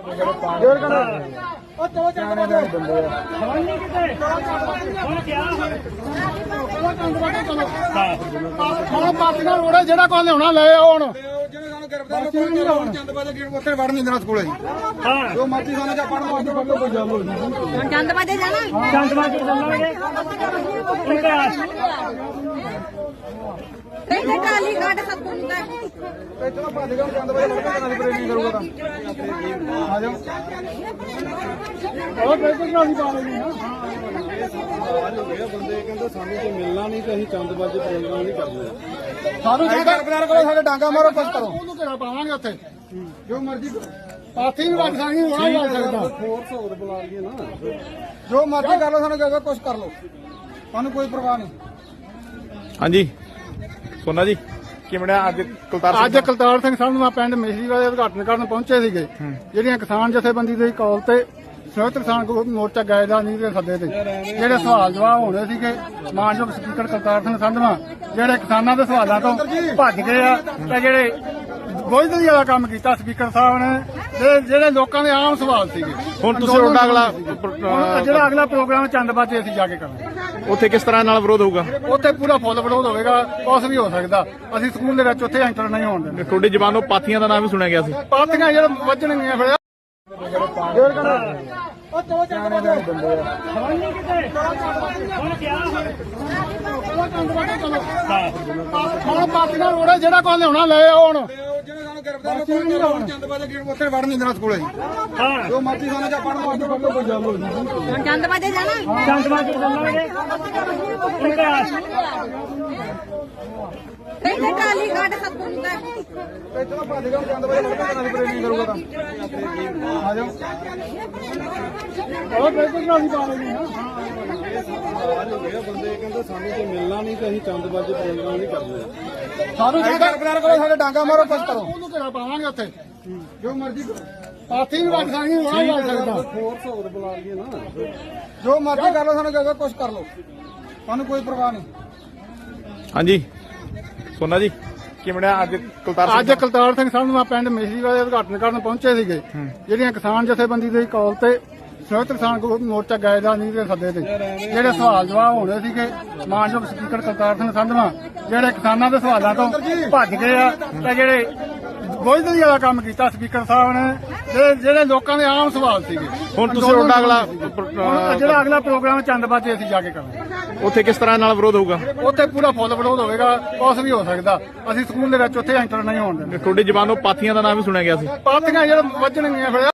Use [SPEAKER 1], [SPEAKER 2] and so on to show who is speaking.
[SPEAKER 1] ਜੋਰ ਕਰ ਉਹ ਤੋ ਚੰਦ ਬੰਦੇ
[SPEAKER 2] ਨਹੀਂ ਕਿਤੇ ਹੁਣ ਕਿਆ
[SPEAKER 1] ਹੁਣ ਪਾਤੀਆਂ ਰੋੜਾ ਜਿਹੜਾ ਕੋਈ ਲਿਆਉਣਾ ਲੈ ਆਓ ਹੁਣ ਜਿਹੜੇ ਸਾਨੂੰ ਗ੍ਰਿਫਤਾਰ ਕਰੋ ਚੰਦਬਾਜੇ ਗੇਟ ਉੱਥੇ ਵੜਨ ਨਹੀਂ ਦੇਣਾ ਸਕੂਲੇ
[SPEAKER 2] ਹਾਂ
[SPEAKER 1] ਜੋ ਮਰਜ਼ੀ ਸਾਨੂੰ ਜਾਂ ਪੜਨ ਵਾਸਤੇ ਫੜ ਲਓ ਕੋਈ ਗੱਲ ਨਹੀਂ
[SPEAKER 3] ਚੰਦਬਾਜੇ ਜਾਣਾ
[SPEAKER 2] ਚੰਦਬਾਜੀ ਚੱਲਾਂਗੇ
[SPEAKER 3] ਤੇ ਟਾਲੀ ਘਾਟ ਸਭ ਤੋਂ ਹੁੰਦਾ
[SPEAKER 1] ਇੱਥੋਂ ਭੱਜ ਗਿਆ ਚੰਦਬਾਜੇ ਵੜ ਕੇ ਨਾਲ ਪ੍ਰੇਮ ਨਹੀਂ ਕਰੂਗਾ ਤਾਂ ਆ ਜਾਓ ਉਹ ਬਿਲਕੁਲ ਨਹੀਂ ਪਾ ਲੈਣੀ
[SPEAKER 4] ਬੰਦੇ ਕਹਿੰਦੇ ਸਾਨੂੰ ਕੋਈ ਮਿਲਣਾ ਨਹੀਂ ਤੇ ਅਸੀਂ ਚੰਦਬਾਜ਼ੀ ਪ੍ਰੋਗਰਾਮ ਨਹੀਂ ਕਰਦੇ।
[SPEAKER 1] ਸਾਨੂੰ ਜਿਹੜਾ ਗ੍ਰਿਫਤਾਰ ਕਰੋ ਸਾਡੇ ਡਾਂਗਾ ਮਾਰੋ ਕੁਛ ਕਰੋ ਉਹਨੂੰ ਘੇਰਾ ਪਾਵਾਂਗੇ ਉੱਥੇ ਜੋ ਮਰਜ਼ੀ ਪਾਥੀ ਵੀ ਵੱਜ ਸਕਦੀ ਹੋਣਾ ਵੀ ਵੱਜ ਸਕਦਾ
[SPEAKER 4] ਫੋਰਸ ਹੋਰ ਬੁਲਾ ਲਈਏ ਨਾ।
[SPEAKER 1] ਜੋ ਮਰਜ਼ੀ ਕਰ ਲਓ ਸਾਨੂੰ ਕਹੋ ਕੁਛ ਕਰ ਲਓ ਸਾਨੂੰ ਕੋਈ ਪਰਵਾਹ ਨਹੀਂ।
[SPEAKER 5] ਹਾਂਜੀ ਸੋਨਾ ਜੀ ਕਿਵੇਂ ਅੱਜ ਕੁਲਤਾਰ
[SPEAKER 1] ਅੱਜ ਕੁਲਤਾਰ ਸਿੰਘ ਸਾਹਿਬ ਨੂੰ ਪਿੰਡ ਮਿਸਰੀ ਵਾਲੇ ਉਦਘਾਟਨ ਕਰਨ ਪਹੁੰਚੇ ਸੀਗੇ ਜਿਹੜੀਆਂ ਕਿਸਾਨ ਜਥੇਬੰਦੀ ਦੀ ਕਾਲ ਤੇ ਸੰਯੁਕਤ ਕਿਸਾਨ ਮੋਰਚਾ ਗਾਇਦਾ ਨਹੀਂ ਦੇ ਸੱਦੇ ਤੇ ਜਿਹੜੇ ਸਵਾਲ ਜਵਾਬ ਹੋਣੇ ਸੀਗੇ ਮਾਨਯੋਗ ਸਪੀਕਰ ਕੁਲਤਾਰ ਸਿੰਘ ਸੰਧਵਾਂ ਜਿਹੜੇ ਕਿਸਾਨਾਂ ਦੇ ਸਵਾਲਾਂ ਤੋਂ ਭੱਜ ਗਏ ਆ ਤੇ ਜਿਹੜੇ ਬੋਝਦਲੀ ਵਾਲਾ ਕੰਮ ਕੀਤਾ ਸਪੀਕਰ ਸਾਹਿਬ ਨੇ ਤੇ ਜਿਹੜੇ ਲੋਕਾਂ ਦੇ ਆਮ ਸਵਾਲ ਸੀਗੇ
[SPEAKER 5] ਹੁਣ ਤੁਸੀਂ ਉਹਦਾ ਅਗਲਾ
[SPEAKER 1] ਜਿਹੜਾ ਅਗਲਾ ਪ੍ਰੋਗਰਾਮ ਚੰਦਬਾਜੇ ਅਸੀਂ ਜਾ ਕੇ ਕਰਾਂਗੇ
[SPEAKER 5] ਉੱਥੇ ਕਿਸ ਤਰ੍ਹਾਂ ਨਾਲ ਵਿਰੋਧ ਹੋਊਗਾ?
[SPEAKER 1] ਉੱਥੇ ਪੂਰਾ ਫੁੱਲ ਵਿਰੋਧ ਹੋਵੇਗਾ ਕੁਛ ਵੀ ਹੋ ਸਕਦਾ ਅਸੀਂ ਸਕੂਲ ਦੇ ਵਿੱਚ ਉੱਥੇ ਐਂਟਰ ਨਹੀਂ ਹੋਣ ਦਿੰਦੇ
[SPEAKER 5] ਤੁਹਾਡੀ ਜ਼ਬਾਨੋਂ ਪਾਥੀਆਂ ਦਾ ਨਾਮ ਵੀ ਸੁਣਿਆ ਗਿਆ ਸੀ।
[SPEAKER 1] ਪਾਥੀਆਂ ਜਿਹੜੇ ਵੱਜਣਗੀਆਂ ਫਿਰ ਜੋਰ ਕਰ ਉਹ ਤੋ ਚੰਦ ਬੰਦੇ
[SPEAKER 2] ਨਹੀਂ ਕਿਤੇ ਹੁਣ ਕਿਆ
[SPEAKER 1] ਹੁਣ ਪਾਤੀਆਂ ਰੋੜਾ ਜਿਹੜਾ ਕੋਈ ਲਿਆਉਣਾ ਲੈ ਆਓ ਹੁਣ ਜਿਹੜੇ ਸਾਨੂੰ ਗ੍ਰਿਫਤਾਰ ਕਰੋ ਚੰਦਬਾਜੇ ਗੇਟ ਉੱਥੇ ਵੜਨ ਨਹੀਂ ਦੇਣਾ ਸਕੂਲੇ
[SPEAKER 2] ਹਾਂ
[SPEAKER 1] ਜੋ ਮਰਜ਼ੀ ਸਾਨੂੰ ਜਾਂ ਪੜਨ ਵਾਸਤੇ ਫੜ ਲਓ ਕੋਈ ਗੱਲ ਨਹੀਂ
[SPEAKER 3] ਚੰਦਬਾਜੇ ਜਾਣਾ
[SPEAKER 2] ਚੰਦਬਾਜੀ ਚੱਲਾਂਗੇ
[SPEAKER 3] ਤੇ ਟਾਲੀ ਘਾਟ ਸਭ ਤੋਂ ਹੁੰਦਾ
[SPEAKER 1] ਇੱਥੋਂ ਭੱਜ ਗਿਆ ਚੰਦਬਾਜੇ ਵੜ ਕੇ ਨਾਲ ਪ੍ਰੇਮ ਨਹੀਂ ਕਰੂਗਾ ਤਾਂ ਆ ਜਾਓ ਉਹ ਬਿਲਕੁਲ ਨਹੀਂ ਪਾ ਲੈਣੀ
[SPEAKER 4] ਬੰਦੇ ਕਹਿੰਦੇ ਸਾਨੂੰ ਕੋਈ ਮਿਲਣਾ ਨਹੀਂ ਤੇ ਅਸੀਂ ਚੰਦਬਾਜ਼ੀ ਪ੍ਰੋਗਰਾਮ ਨਹੀਂ ਕਰਦੇ।
[SPEAKER 1] ਸਾਨੂੰ ਜਿਹੜਾ ਗ੍ਰਿਫਤਾਰ ਕਰੋ ਸਾਡੇ ਡਾਂਗਾ ਮਾਰੋ ਕੁਛ ਕਰੋ ਉਹਨੂੰ ਘੇਰਾ ਪਾਵਾਂਗੇ ਉੱਥੇ ਜੋ ਮਰਜ਼ੀ ਪਾਥੀ ਵੀ ਵੱਜ ਸਕਦੀ ਹੋਣਾ ਵੀ ਵੱਜ ਸਕਦਾ
[SPEAKER 4] ਫੋਰਸ ਹੋਰ ਬੁਲਾ ਲਈਏ ਨਾ।
[SPEAKER 1] ਜੋ ਮਰਜ਼ੀ ਕਰ ਲਓ ਸਾਨੂੰ ਕਹੋ ਕੁਛ ਕਰ ਲਓ ਸਾਨੂੰ ਕੋਈ ਪਰਵਾਹ ਨਹੀਂ।
[SPEAKER 5] ਹਾਂਜੀ ਸੋਨਾ ਜੀ ਕਿਵੇਂ ਅੱਜ ਕੁਲਤਾਰ
[SPEAKER 1] ਅੱਜ ਕੁਲਤਾਰ ਸਿੰਘ ਸਾਹਿਬ ਨੂੰ ਪਿੰਡ ਮਿਸਰੀ ਵਾਲੇ ਉਦਘਾਟਨ ਕਰਨ ਪਹੁੰਚੇ ਸੀਗੇ ਜਿਹੜੀਆਂ ਕਿਸਾਨ ਜਥੇਬੰਦੀ ਦੀ ਕਾਲ ਤੇ ਸੰਯੁਕਤ ਕਿਸਾਨ ਮੋਰਚਾ ਗਾਇਦਾ ਨਹੀਂ ਦੇ ਸੱਦੇ ਤੇ ਜਿਹੜੇ ਸਵਾਲ ਜਵਾਬ ਹੋਣੇ ਸੀਗੇ ਮਾਨਯੋਗ ਸਪੀਕਰ ਕੁਲਤਾਰ ਸਿੰਘ ਸੰਧਵਾਂ ਜਿਹੜੇ ਕਿਸਾਨਾਂ ਦੇ ਸਵਾਲਾਂ ਤੋਂ ਭੱਜ ਗਏ ਆ ਤੇ ਜਿਹੜੇ ਬੋਝਦਲੀ ਵਾਲਾ ਕੰਮ ਕੀਤਾ ਸਪੀਕਰ ਸਾਹਿਬ ਨੇ ਤੇ ਜਿਹੜੇ ਲੋਕਾਂ ਦੇ ਆਮ ਸਵਾਲ ਸੀਗੇ
[SPEAKER 5] ਹੁਣ ਤੁਸੀਂ ਉਹਦਾ ਅਗਲਾ
[SPEAKER 1] ਜਿਹੜਾ ਅਗਲਾ ਪ੍ਰੋਗਰਾਮ ਚੰਦਬਾਜੇ ਅਸੀਂ ਜਾ ਕੇ ਕਰਾਂਗੇ
[SPEAKER 5] ਉੱਥੇ ਕਿਸ ਤਰ੍ਹਾਂ ਨਾਲ ਵਿਰੋਧ ਹੋਊਗਾ?
[SPEAKER 1] ਉੱਥੇ ਪੂਰਾ ਫੁੱਲ ਵਿਰੋਧ ਹੋਵੇਗਾ ਕੁਛ ਵੀ ਹੋ ਸਕਦਾ ਅਸੀਂ ਸਕੂਲ ਦੇ ਵਿੱਚ ਉੱਥੇ ਐਂਟਰ ਨਹੀਂ ਹੋਣ ਦਿੰਦੇ
[SPEAKER 5] ਤੁਹਾਡੀ ਜ਼ਬਾਨੋਂ ਪਾਥੀਆਂ ਦਾ ਨਾਮ ਵੀ ਸੁਣਿਆ ਗਿਆ ਸੀ।
[SPEAKER 1] ਪਾਥੀਆਂ ਜਿਹੜੇ ਵੱਜਣਗੀਆਂ ਫਿਰ